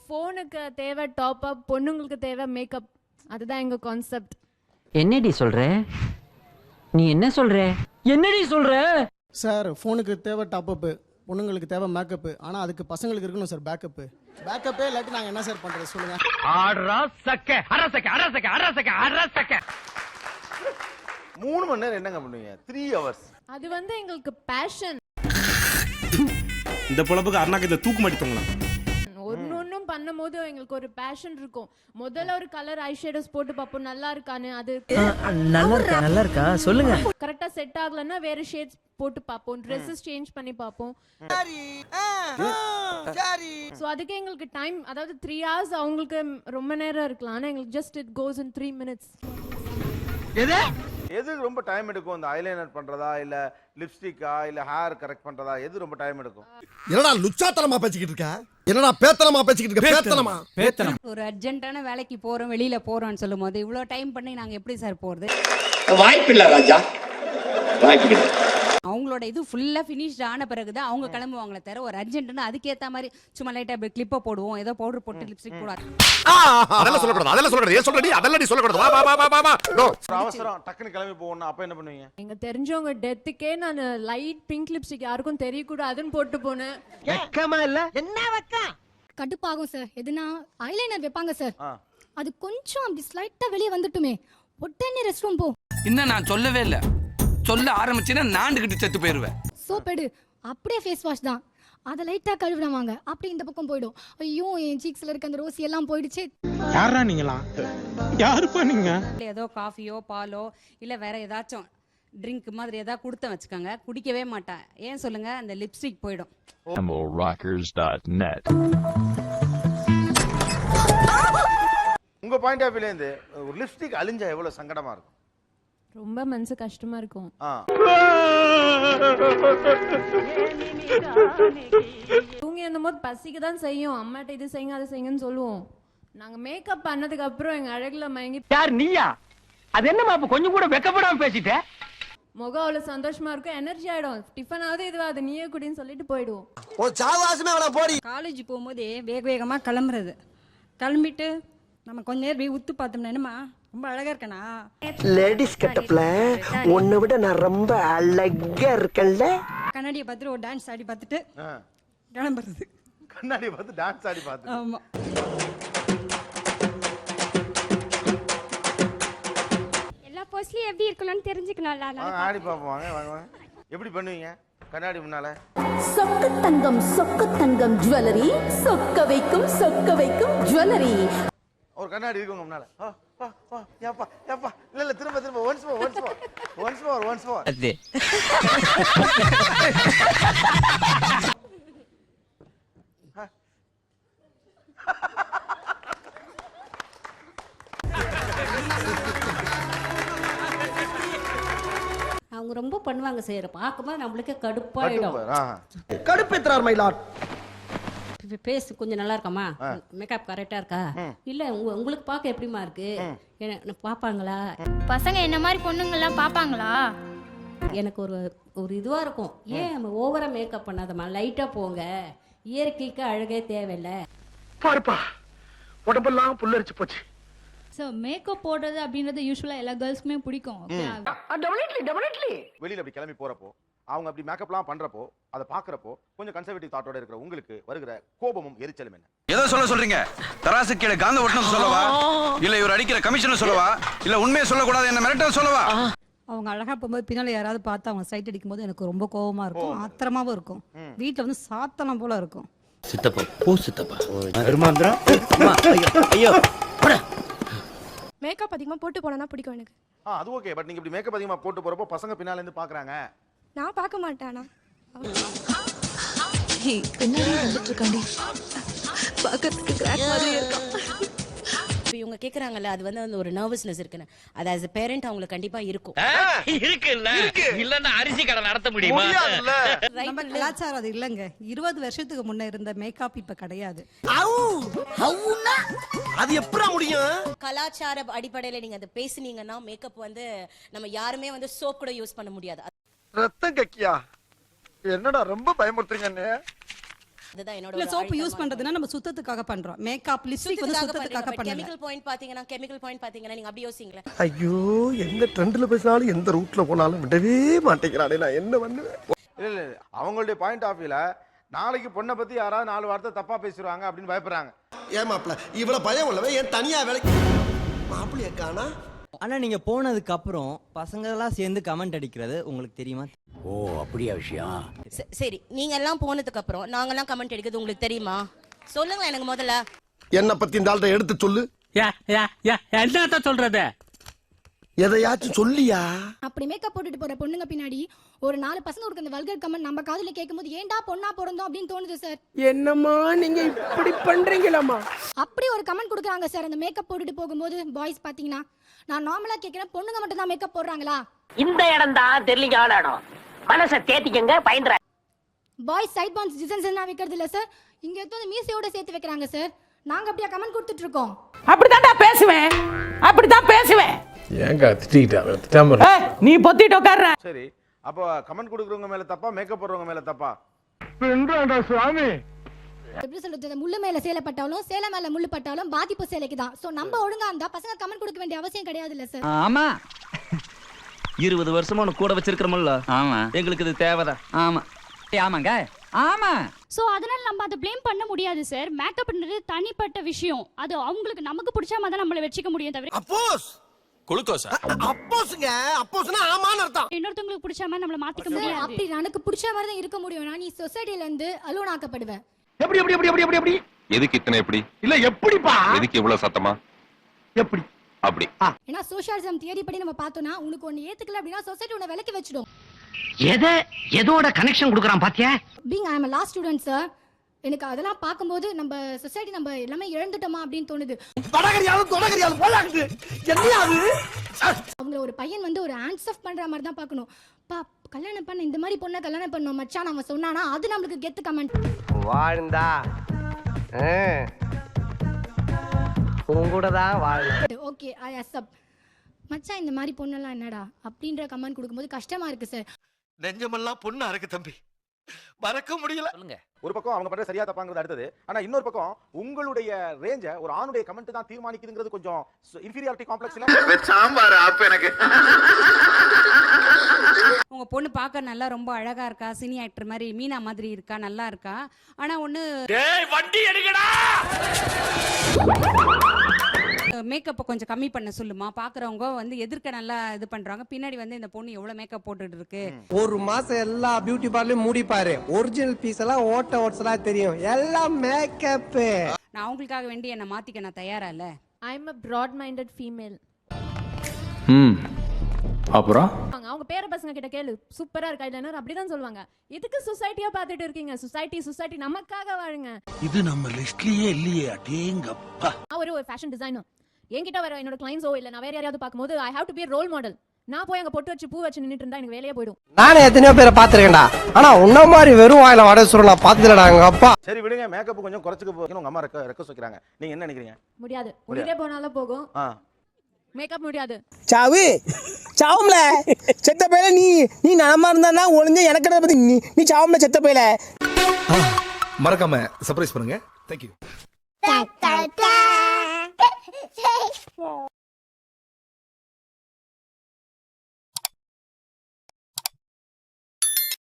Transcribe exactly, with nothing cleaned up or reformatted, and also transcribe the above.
ஃபோனுக்கு தேவை top up, பொண்ணுங்களுக்கு தேவை மேக்கப். அதுதான் எங்க கான்செப்ட். என்னடி சொல்ற? நீ என்ன சொல்ற? என்னடி சொல்ற? சார் ஃபோனுக்கு தேவை டாப் அப்பு, பொண்ணுங்களுக்கு தேவை மேக்கப்பு. ஆனால் அதுக்கு பசங்களுக்கு இருக்கணும் சார் பேக்கப்பு. பேக்கப்பே இல்லாட்டி நாங்கள் என்ன சார் பண்ணுறது சொல்லுங்கள். மூணு மணி நேரம் என்னங்க பண்ணுவீங்க? Three hours. அது வந்து எங்களுக்கு பேஷன். இந்த பொழப்புக்கு அருணாக்கத்தில் தூக்கு மாட்டித்தோங்களா? ஒன்னு ஒன்னும் பண்ணும் போது எங்களுக்கு ஒரு பேஷன் இருக்கும். முதல்ல ஒரு கலர் ஐ ஷேடோஸ் போட்டு பார்ப்போம், நல்லா இருக்கான்னு. அது நல்லா இருக்கா? நல்லா இருக்கா? சொல்லுங்க. கரெக்டா செட் ஆகலன்னா வேற ஷேட்ஸ் போட்டு பார்ப்போம், ட்ரெஸ்ஸஸ் சேஞ்ச் பண்ணி பார்ப்போம். சோ அதுக்கு எங்களுக்கு டைம், அதாவது த்ரீ ஹவர்ஸ் அவங்களுக்கு ரொம்ப நேரம் இருக்கலாம், ஆனா எங்களுக்கு just it goes in three minutes. எது ரொம்ப டைம் எடுக்கும்? இந்த ஐலைனர் பண்றதா, இல்ல லிப்ஸ்டிக்கா, இல்ல ஹேர் கரெக்ட் பண்றதா, எது ரொம்ப டைம் எடுக்கும்? என்னடா லுச்சாத்தனமா பேசிக்கிட்டு இருக்க? என்னடா பேத்தனமா பேசிக்கிட்டு இருக்க? பேத்தனமா பேத்தனம். ஒரு அர்ஜென்ட்டான வேலைக்கு போறோம், வெளியில போறோம்னு சொல்லும்போது இவ்வளவு டைம் பண்ணி நாங்க எப்படி சார் போறது? வாய்ப்பில்லை ராஜா, வாய்ப்பில்லை. அவங்களோட இது ஃபுல்லா ஃபினிஷ்ட் ஆன பிறகுதான் அவங்க கிளம்புவாங்களே தவிர ஒரு அர்ஜென்ட்னா அதுக்கேற்ற மாதிரி சும்மா லைட்டா அப்படி கிளிப்பை போடுவோம், ஏதோ பவுடர் போட்டு லிப்ஸ்டிக் போடுவாங்க. அதெல்லாம் சொல்லக்கூடாது, அதெல்லாம் சொல்லக்கூடாது. ஏன் சொல்றடி? அதெல்லாம் நீ சொல்லக்கூடாது. வா வா வா வா வா. நோ. அவசரம் டக்குன்னு கிளம்பி போகணும், அப்ப என்ன பண்ணுவீங்க? எங்க தெரிஞ்சவங்க டெத்துக்கே நான் லைட் பிங்க் லிப்ஸ்டிக் யாருக்கும் தெரியக்கூடாதுன்னு போட்டு போனேன். வெக்கமா இல்ல? என்ன வெக்கம்? கடுப்பாகும் சார். எதுனா ஐலைனர் வைப்பாங்க சார், அது கொஞ்சம் அப்படி ஸ்லைட்டா வெளியே வந்துட்டுமே உடனே ரெஸ்ட் ரூம் போ. இன்னும் நான் சொல்லவே இல்லை, சொல்ல ஆரம்பிச்சேன்னா நாண்டுகிட்டு செத்து போயிருவேன். சோப் எடு, அப்படியே ஃபேஸ் வாஷ் தான், அதை லைட்டா கழுவிடுவாங்க, அப்படி இந்த பக்கம் போயிடும். ஐயோ என் சீக்ஸ்ல இருக்க அந்த ரோசி எல்லாம் போயிடுச்சு. யாரா நீங்களா? யாருப்பா நீங்க? ஏதோ காஃபியோ பாலோ இல்ல வேற ஏதாச்சும் ட்ரிங்க் மாதிரி ஏதாவது கொடுத்த வச்சுக்கோங்க, குடிக்கவே மாட்டேன். ஏன் சொல்லுங்க? அந்த லிப்ஸ்டிக் போயிடும். rockers dot net. உங்க பாயிண்ட் ஆஃப் வியூல இருந்து ஒரு லிப்ஸ்டிக் அழிஞ்சா எவ்வளவு சங்கடமா இருக்கும்? ரொம்ப மனசு கஷ்டமா இருக்கும். தூங்கி அந்த போது பசிக்கு தான் செய்யும், அம்மாட்ட இது செய்யுங்க அது செய்யுங்கன்னு சொல்லுவோம். நாங்க மேக்கப் பண்ணதுக்கு அப்புறம் எங்க அழகுல மயங்கி. யார் நீயா? அது என்னமா அப்ப கொஞ்சம் கூட வெக்கப்படாம பேசிட்ட? முகம் அவ்வளவு சந்தோஷமா இருக்கும், எனர்ஜி ஆயிடும். டிஃபன் ஆகுது இதுவாது நீயே குடின்னு சொல்லிட்டு போயிடுவோம். ஓ சாவாசமே அவள போடி. காலேஜ் போகும்போது வேக வேகமா கிளம்புறது, கிளம்பிட்டு நம்ம கொஞ்ச நேரம் போய் உத்து பார்த்தோம்னா என்னமா ரொம்ப அழகா இருக்கனா? லேடிஸ் கட்டப்ல உன்னை விட நான் ரொம்ப அழகா இருக்கேன்ல. கண்ணாடியை பார்த்துட்டு ஒரு டான்ஸ் ஆடி பார்த்துட்டு கிளம்புறது. கண்ணாடியை பார்த்து டான்ஸ் ஆடி பார்த்து. ஆமா. எல்லா போஸ்ட்லயும் எப்படி இருக்கணும்னு தெரிஞ்சுக்கணும்ல. ஆடி பார்ப்போம், வாங்க வாங்க. எப்படி பண்ணுவீங்க கண்ணாடி முன்னால? சொக்க தங்கம் சொக்க தங்கம் ஜுவல்லரி, சொக்க வைக்கும் சொக்க வைக்கும் ஜுவல்லரி. ஒரு கண்ணாடி இருக்குங்க முன்னால. ஏப்பா ஏப்பா இல்ல இல்ல திரும்ப திரும்ப once more once more once more once more. அது அவங்க ரொம்ப பண்ணுவாங்க செய்யற பார்க்கும்போது நம்மளுக்கு கடுப்பாயிடும். கடுப்பேத்துறார் மயிலாட். பேஸ் கொஞ்சம் நல்லா இருக்காமா? மேக்கப் கரெக்டா இருக்கா? இல்ல உங்களுக்கு பார்க்க எப்படிமா இருக்கு? பாப்பாங்களா பசங்க? என்ன மாதிரி பொண்ணுங்க எல்லாம் பாப்பாங்களா? எனக்கு ஒரு ஒரு இதுவா இருக்கும், ஏன் நம்ம ஓவரா மேக்கப் பண்ணாதமா, லைட்டா போங்க, இயற்கைக்கு அழகே தேவையில்ல. பாருப்பா உடம்பெல்லாம் புல்லரிச்சு போச்சு. சோ மேக்கப் போடுறது அப்படின்றது யூசுவலா எல்லா கேர்ள்ஸ்க்குமே பிடிக்கும். Definitely definitely. வெளியில அப்படி கிளம்பி போறப்போ அவங்க அப்படி மேக்கப்லாம் பண்றப்போ அதை பாக்குறப்போ கொஞ்சம் கன்சர்வேட்டிவ் தாட்டோட இருக்கிற உங்களுக்கு வருகிற கோபமும் எரிச்சலும் என்ன? ஏதோ சொல்ல சொல்றீங்க? தராசு கீழே காந்த ஒட்டணும் சொல்லவா, இல்ல இவர் அடிக்கிற கமிஷன் சொல்லவா, இல்ல உண்மையை சொல்லக்கூடாது என்ன மிரட்ட சொல்லவா? அவங்க அழகா போகும்போது பின்னால யாராவது பார்த்து அவங்க சைட் அடிக்கும் போது எனக்கு ரொம்ப கோபமா இருக்கும், ஆத்திரமாவும் இருக்கும். வீட்டுல வந்து சாத்தனம் போல இருக்கும். சித்தப்பா போ சித்தப்பா. ஐயோ மேக்கப் அதிகமா போட்டு போனா பிடிக்கும் எனக்கு. அது ஓகே, பட் நீங்க இப்படி மேக்கப் அதிகமா போட்டு போறப்போ பசங்க பின்னால இருந்து பாக்குறாங்க. நான் பார்க்க மாட்டேனா? பின்னாடி வந்துட்டு இருக்காண்டி பார்க்கிறதுக்கு கிராக் மாதிரி இருக்கும். இவங்க கேக்குறாங்கல்ல, அது வந்து ஒரு நர்வஸ்னஸ் இருக்குன்னு, அது as a parent அவங்களுக்கு கண்டிப்பா இருக்கும். இருக்குல்ல, இல்லன்னா அரிசி கடை நடத்த முடியுமா? நம்ம கலாச்சாரம் அது இல்லங்க. இருபது வருஷத்துக்கு முன்ன இருந்த மேக்கப் இப்ப கிடையாது. அது எப்பறா முடியும்? கலாச்சார அடிப்படையில நீங்க அதை பேசுனீங்கன்னா மேக்கப் வந்து நம்ம யாருமே வந்து சோப் கூட யூஸ் பண்ண முடியாது. ரத்தம் கக்கியா? என்னடா ரொம்ப பயமுறுத்துறீங்க அண்ணே. அதுதான் என்னோட இல்ல சோப்பு யூஸ் பண்றதுன்னா நம்ம சுத்தத்துக்காக பண்றோம். மேக்கப் லிப்ஸ்டிக் வந்து சுத்தத்துக்காக பண்ணல. கெமிக்கல் பாயிண்ட் பாத்தீங்கன்னா கெமிக்கல் பாயிண்ட் பாத்தீங்கன்னா நீங்க அப்படி யோசிங்களே. ஐயோ எந்த ட்ரெண்ட்ல பேசினாலும் எந்த ரூட்ல போனாலும் விடவே மாட்டேங்கிறானே, நான் என்ன பண்ணுவேன்? இல்ல இல்ல அவங்களுடைய பாயிண்ட் ஆஃப் வியூல நாளைக்கு பொண்ணை பத்தி யாராவது நாலு வார்த்தை தப்பா பேசிடுவாங்க அப்படின்னு பயப்படுறாங்க. ஏன் மாப்பிள்ள இவ்வளவு பயம் உள்ளவே ஏன் தனியா வேலைக்கு மாப்பிள்ளைய காணா? ஆனா நீங்க போனதுக்கு அப்புறம் பசங்க எல்லாம் சேர்ந்து கமெண்ட் அடிக்கிறது உங்களுக்கு தெரியுமா? ஓ அப்படியா விஷயம். சரி நீங்க எல்லாம் போனதுக்கு அப்புறம் நாங்க எல்லாம் கமெண்ட் அடிக்கிறது உங்களுக்கு தெரியுமா? சொல்லுங்க எனக்கு முதல்ல. என்ன பத்தி இந்த ஆள்கிட்ட எடுத்து சொல்லு. என்ன சொல்றது? எதையாச்சும் சொல்லியா? அப்படி மேக்கப் போட்டுட்டு போற பொண்ணுங்க பின்னாடி ஒரு நாலு பசங்க ஒரு அந்த வல்கர் கமெண்ட் நம்ம காதுல கேட்கும்போது ஏன்டா பொண்ணா பிறந்தோம் அப்படின்னு தோணுது சார். என்னம்மா நீங்க இப்படி பண்றீங்களாமா? அப்படி ஒரு கமெண்ட் கொடுக்குறாங்க சார் அந்த மேக்கப் போட்டுட்டு போகும்போது. பாய்ஸ் பாத்தீங்கன்னா நான் நார்மலா கேட்கிறேன், பொண்ணுங்க மட்டும் தான் மேக்கப் போடுறாங்களா? இந்த இடம் தான் தெரியல இடம். மனசை தேத்திக்கங்க பயந்துற. பாய்ஸ் சைட் பான்ஸ் டிசைன்ஸ் என்ன வைக்கிறது இல்ல சார், இங்க எடுத்து மீசையோட சேர்த்து வைக்கிறாங்க சார். நாங்க அப்படியே கமெண்ட் கொடுத்துட்டு இருக்கோம். அப்படிதான்டா பேசுவேன், அப்படிதான் பேசுவேன். ஏங்க திட்டிட்டா நீ பொத்திட்டு உட்கார்ற. சரி அப்போ கமெண்ட் கொடுக்குறவங்க மேல தப்பா மேக்கப் போடுறவங்க மேல தப்பா? சுவாமி எப்படி சொல்றது, முள்ளு மேல சேலை பட்டாலும் சேலை மேல முள்ளு பட்டாலும் பாதிப்பு சேலைக்கு தான். சோ நம்ம ஒழுங்கா இருந்தா பசங்க கமெண்ட் கொடுக்க வேண்டிய அவசியம் கிடையாது இல்ல சார். ஆமா, இருபது வருஷமா உனக்கு கூட வச்சிருக்கிறோம்ல. ஆமா, எங்களுக்கு இது தேவைதான். ஆமா ஆமாங்க ஆமா. சோ அதனால நம்ம அதை ப்ளேம் பண்ண முடியாது சார். மேக்கப்ன்றது தனிப்பட்ட விஷயம். அது அவங்களுக்கு நமக்கு பிடிச்ச மாதிரி தான் நம்மள வெச்சிக்க முடியும் தவிர அப்போஸ் குளுக்கோஸ் அப்போஸ்ங்க அப்போஸ்னா ஆமான்னு அர்த்தம். இன்னொருத்தங்களுக்கு பிடிச்ச மாதிரி நம்மள மாத்திக்க முடியாது. அப்படி எனக்கு பிடிச்ச மாதிரி தான் இருக்க முடியும். நான் நீ சொசைட்டில இருந்து அலோன் ஆக்கப்படுவேன். எப்படி எப்படி எப்படி எப்படி எப்படி எதுக்கு இத்தனை எப்படி? இல்ல எப்படிப்பா? எதுக்கு இவ்வளவு சத்தமா? எப்படி அப்படி ஏன்னா சோஷியலிசம் தியரி படி நம்ம பார்த்தோம்னா உனக்கு ஒன்னு ஏத்துக்கல அப்படின்னா சொசைட்டி உன்னை விலக்கி வச்சிடும். எதை எதோட கனெக்ஷன் கொடுக்கறான் பாத்தியா? Being I am a law student sir. எனக்கு அதெல்லாம் பார்க்கும்போது நம்ம சொசைட்டி நம்ம எல்லாமே இழந்துட்டோமா அப்படின்னு தோணுது. வடகரியாலும் தொடகரியாலும் போலாக்குது. என்னையாது அவங்க ஒரு பையன் வந்து ஒரு ஹேண்ட்ஸ் ஆஃப் பண்ற மாதிரி தான் பார்க்கணும். பா கல்யாணம் பண்ண இந்த மாதிரி பொண்ணை கல்யாணம் பண்ணோம் மச்சான் அவன் சொன்னானா அது நம்மளுக்கு கெத்து கமெண்ட். வாழ்ந்தா உங்கூடதான் வாழ். Okay I accept. மச்சான் இந்த மாதிரி பொண்ணெல்லாம் என்னடா அப்படின்ற கமெண்ட் கொடுக்கும்போது கஷ்டமா இருக்கு சார். நெஞ்சமெல்லாம் பொண்ணா இருக்கு தம்பி, மறக்க முடியல. ஒரு பக்கம் அவங்க பண்ற சரியா தப்பாங்கிறது அடுத்தது. ஆனா இன்னொரு பக்கம் உங்களுடைய ரேஞ்ச ஒரு ஆணுடைய கமெண்ட் தான் தீர்மானிக்குதுங்கிறது கொஞ்சம் இன்ஃபீரியாரிட்டி காம்ப்ளெக்ஸ் இல்ல? சாம்பார் அப்ப எனக்கு உங்க பொண்ணு பார்க்க நல்லா ரொம்ப அழகா இருக்கா, சினி ஆக்டர் மாதிரி மீனா மாதிரி இருக்கா, நல்லா இருக்கா. ஆனா ஒண்ணு டேய் வண்டி எடுங்கடா. மேக்கப்பை கொஞ்சம் கம்மி பண்ண சொல்லுமா. பாக்குறவங்க வந்து எதிர்க்க நல்லா இது பண்றாங்க, பின்னாடி வந்து இந்த பொண்ணு எவ்வளவு மேக்கப் போட்டுட்டு இருக்கு. ஒரு மாசம் எல்லா பியூட்டி பார்லரும் மூடி பாரு, ஒரிஜினல் பீஸ் எல்லாம் ஓட்ட ஓட்ஸலா தெரியும், எல்லாம் மேக்கப். நான் அவங்களுக்காக வேண்டி என்ன மாத்திக்க நான் தயாரா இல்ல. I am a broad minded female. ம் அப்புறம் அவங்க பேர பசங்க கிட்ட கேளு சூப்பரா இருக்கா இல்லைன்னா அப்படிதான் சொல்லுவாங்க. இதுக்கு சொசைட்டியா பாத்துட்டு இருக்கீங்க. சொசைட்டி சொசைட்டி நமக்காக வாழுங்க. இது நம்ம லிஸ்ட்லயே இல்லையே. அடேங்கப்பா. நான் ஒரு ஒரு ஃபேஷன் டிசைனர். என்கிட்ட வர என்னோட கிளைண்ட்ஸோ இல்ல நான் வேற யாரையாவது பார்க்கும்போது I have to be a role model. நான் போய் அங்க பொட்டு வச்சு பூ வச்சு நின்னுட்டு இருந்தா எனக்கு வேலையே போயிடும். நானே எத்தனையோ பேரை பாத்துருக்கேன்டா, ஆனா உன்ன மாதிரி வெறும் வாயில வடை சுருள் நான் பாத்துலடா எங்க அப்பா. சரி விடுங்க, மேக்கப் கொஞ்சம் குறைச்சுக்க போகணும். உங்க அம்மா ரெக்க ரெக்க வைக்கிறாங்க, நீங்க என்ன நினைக்கிறீங்க? முடியாது, உயிரே போனாலும் போகும். மேக்கப் முடியாது. சாவு சாவும்ல செத்த பையல. நீ நீ நலமா இருந்தா ஒளிஞ்ச எனக்கு பத்தி நீ நீ சாவும்ல செத்த பையல. மறக்காம சர்ப்ரைஸ் பண்ணுங்க. தேங்க்யூ.